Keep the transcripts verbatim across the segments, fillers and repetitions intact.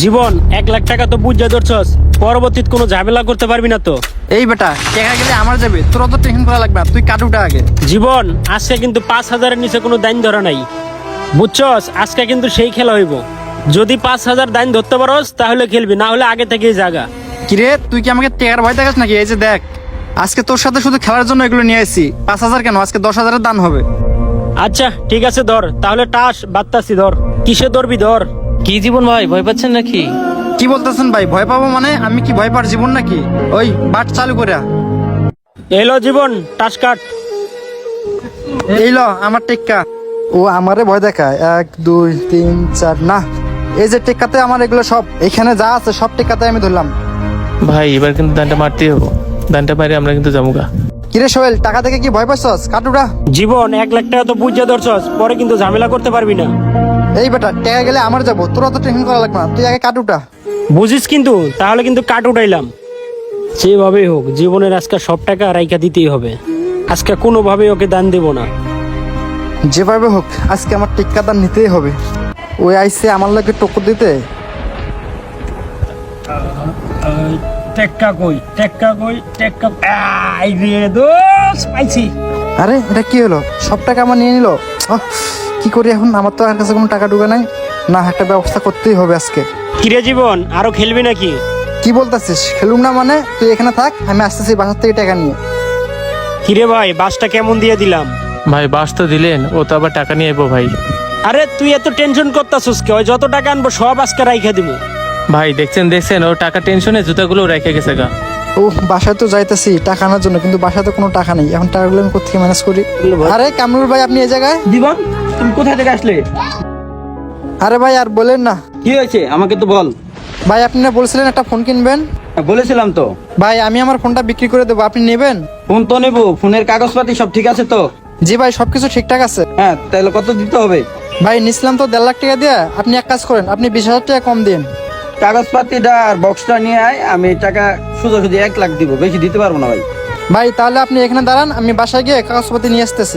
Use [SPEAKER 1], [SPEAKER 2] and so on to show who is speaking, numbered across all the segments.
[SPEAKER 1] জীবন এক লাখ টাকা তো বুঝা ধরছস, পরবর্তীতে কোনো ঝামেলা করতে পারবি না তো।
[SPEAKER 2] এই বেটা টাকা গেলে আমার যাবে, তোর অত টেনশন করা লাগবে না, তুই কাটুটা আগে।
[SPEAKER 1] জীবন আজকে কিন্তু পাঁচ হাজারের নিচে কোনো দাইন ধরা নাই, বুঝছস? আজকে কিন্তু সেই খেলা হইব। যদি পাঁচ হাজার দাইন ধরতে পারস তাহলে খেলবি, না হলে আগে থেকেই জাগা।
[SPEAKER 2] কিরে তুই কি আমাকে টেকার ভয় দেখাস নাকি? এই যে দেখ, আজকে তোর সাথে শুধু খেলার জন্য এগুলো নিয়ে আসছি। পাঁচ হাজার কেন, আজকে দশ হাজারের দান হবে।
[SPEAKER 1] আচ্ছা ঠিক আছে ধর, তাহলে টাস বাত্তাসি ধর। কিসে ধরবি ধর।
[SPEAKER 3] কি জীবন ভাই, ভয় পাচ্ছেন নাকি?
[SPEAKER 2] কি বলতেছেন ভাই? ভয় পাবো মানে? আমি কি ভয় পার জীবন নাকি? ওই বাট চালু করে
[SPEAKER 1] এলো জীবন, টাস কাট।
[SPEAKER 2] এই ল আমার টেক্কা। ও আমারে ভয় দেখায়, এক দুই তিন চার। না, এই যে টেক্কাতে আমার এগুলো সব, এখানে যা আছে সব টেক্কাতে আমি ধরলাম।
[SPEAKER 3] ভাই এবার কিন্তু দানটা মারতেই হবো, দানটা মারি আমরা কিন্তু যাবো গা।
[SPEAKER 2] কিরে সোহেল, টাকা দেখে কি ভয় পাচ্ছস? কাটুরা।
[SPEAKER 1] জীবন এক লাখ টাকা তো বুঝা ধরছস, পরে কিন্তু ঝামেলা করতে পারবি না।
[SPEAKER 2] এই বেটা টাকা গেলে আমার যাবো, তোর অত টেনশন করা লাগবে না, তুই আগে কাটুটা।
[SPEAKER 1] বুঝিস কিন্তু, তাহলে কিন্তু কাট উঠাইলাম। যেভাবেই হোক জীবনের আজকে সব টাকা রাইখা দিতেই হবে। আজকে কোনোভাবেই ওকে দান দেব না।
[SPEAKER 2] যেভাবে হোক আজকে আমার টিক্কা দান নিতেই হবে। ওই আইসে আমার লোকে টক্কর দিতে।
[SPEAKER 1] টেক্কা কই, টেক্কা কই, টেক্কা আই রে দোস পাইছি।
[SPEAKER 2] আরে এটা কি হলো? সব টাকা আমার নিয়ে নিল। আহ, কি করি এখন? আমার তো আর কাছে কোনো টাকা ঢুকে নাই। না, একটা ব্যবস্থা করতেই হবে আজকে।
[SPEAKER 1] কিরে জীবন, আরো খেলবি নাকি?
[SPEAKER 2] কি বলতেছিস? খেলুম না মানে? তুই এখানে থাক, আমি আসতেছি বাসার থেকে টাকা নিয়ে।
[SPEAKER 1] কিরে ভাই, বাসটা কেমন দিয়ে দিলাম?
[SPEAKER 3] ভাই বাস তো দিলেন, ও তো আবার টাকা নিয়ে এবো ভাই।
[SPEAKER 1] আরে তুই এত টেনশন করতাছিস কে? ওই যত টাকা আনবো সব আজকে রাইখা দিব।
[SPEAKER 3] ভাই দেখছেন দেখছেন, ও টাকা টেনশনে জুতাগুলো রেখে গেছে গা।
[SPEAKER 2] ও বাসায় তো যাইতেছি টাকা আনার জন্য, কিন্তু বাসায় তো কোনো টাকা নেই। এখন টাকাগুলো আমি কোথেকে ম্যানেজ করি? আরে কামরুল ভাই, আপনি এই জায়গায়?
[SPEAKER 4] জীবন, তুমি কোথায় থেকে আসলে?
[SPEAKER 2] আরে ভাই আর বলেন না।
[SPEAKER 4] কি হয়েছে আমাকে তো বল।
[SPEAKER 2] ভাই আপনি না বলছিলেন একটা ফোন কিনবেন?
[SPEAKER 4] বলেছিলাম তো।
[SPEAKER 2] ভাই আমি আমার ফোনটা বিক্রি করে দেবো, আপনি নেবেন?
[SPEAKER 4] ফোন তো নেবো, ফোনের কাগজপাতি সব ঠিক আছে তো?
[SPEAKER 2] জি ভাই, সবকিছু ঠিকঠাক আছে।
[SPEAKER 4] হ্যাঁ, তাহলে কত দিতে হবে?
[SPEAKER 2] ভাই নিছিলাম তো দেড় লাখ টাকা দিয়ে, আপনি এক কাজ করেন, আপনি বিশ হাজার টাকা কম দিন।
[SPEAKER 4] কাগজপাতিটা আর বক্সটা নিয়ে আয়, আমি টাকা সোজাসুজি এক লাখ দিব, বেশি দিতে পারবো না ভাই।
[SPEAKER 2] ভাই তাহলে আপনি এখানে দাঁড়ান, আমি বাসায় গিয়ে কাগজপত্র নিয়ে আসতেছি।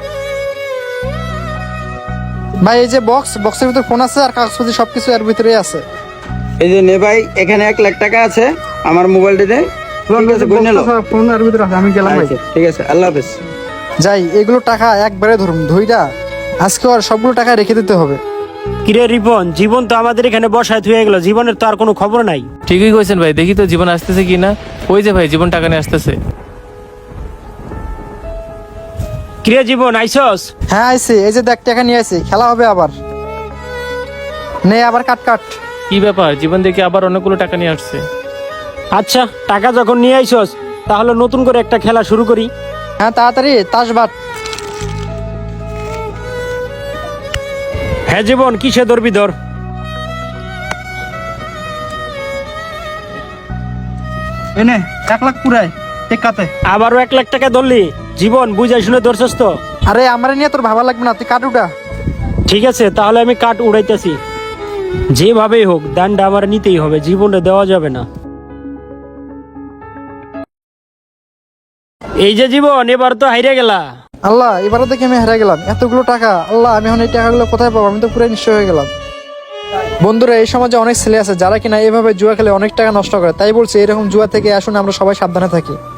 [SPEAKER 2] ভাই এই যে বক্স, বক্সের ভিতরে ফোন আছে আর কাগজপত্র সবকিছু এর ভিতরেই আছে।
[SPEAKER 4] এই যে নে ভাই, এখানে এক লাখ টাকা আছে আমার মোবাইলটিতে। ঠিক আছে, গুনে নাও।
[SPEAKER 2] ফোন এর ভিতরে আছে, আমি গেলাম ভাই।
[SPEAKER 4] আচ্ছা, ঠিক আছে, আল্লাহ হাফেজ।
[SPEAKER 2] যাই, এগুলো টাকা একবারে ধরুন, ধইরা আজকে আর সবগুলো টাকা রেখে দিতে হবে।
[SPEAKER 1] কিরে রিপন, জীবন তো আমাদের এখানে বসায় থুয়ে গেল, জীবনের তো আর কোনো খবর নাই।
[SPEAKER 3] ঠিকই কইছেন ভাই, দেখি তো জীবন আসতেছে কি না। ওই যে ভাই জীবন টাকা নিয়ে আসতেছে।
[SPEAKER 1] কিরে জীবন, আইসস?
[SPEAKER 2] হ্যাঁ আইসি, এই যে দেখ টাকা নিয়ে আইসি, খেলা হবে আবার। নে আবার কাট কাট।
[SPEAKER 3] কি ব্যাপার, জীবন দেখি আবার অনেকগুলো টাকা নিয়ে আসছে।
[SPEAKER 1] আচ্ছা টাকা যখন নিয়ে আইসস, তাহলে নতুন করে একটা খেলা শুরু করি।
[SPEAKER 2] হ্যাঁ তাড়াতাড়ি তাস বাট।
[SPEAKER 1] হ্যাঁ জীবন, কিসে ধরবি ধর।
[SPEAKER 2] এনে এক লাখ পুরাই টেকাতে।
[SPEAKER 1] আবারও এক লাখ টাকা ধরলি? জীবন বুঝাই শুনে ধরছস তো?
[SPEAKER 2] আরে আমারে নিয়ে তোর ভাবা লাগবে না, তুই কাট উঠা।
[SPEAKER 1] ঠিক আছে, তাহলে আমি কাঠ উড়াইতেছি। যেভাবেই হোক দানটা আমার নিতেই হবে, জীবনে দেওয়া যাবে না। এই যে জীবন, এবার তো হাইরে গেলা।
[SPEAKER 2] আল্লাহ, এবারে দেখে আমি হেরে গেলাম, এতগুলো টাকা। আল্লাহ, আমি এখন এই টাকাগুলো কোথায় পাবো? আমি তো পুরো নিশ্চয় হয়ে গেলাম। বন্ধুরা, এই সমাজে অনেক ছেলে আছে যারা কিনা এভাবে জুয়া খেলে অনেক টাকা নষ্ট করে। তাই বলছি, এরকম জুয়া থেকে আসুন আমরা সবাই সাবধানে থাকি।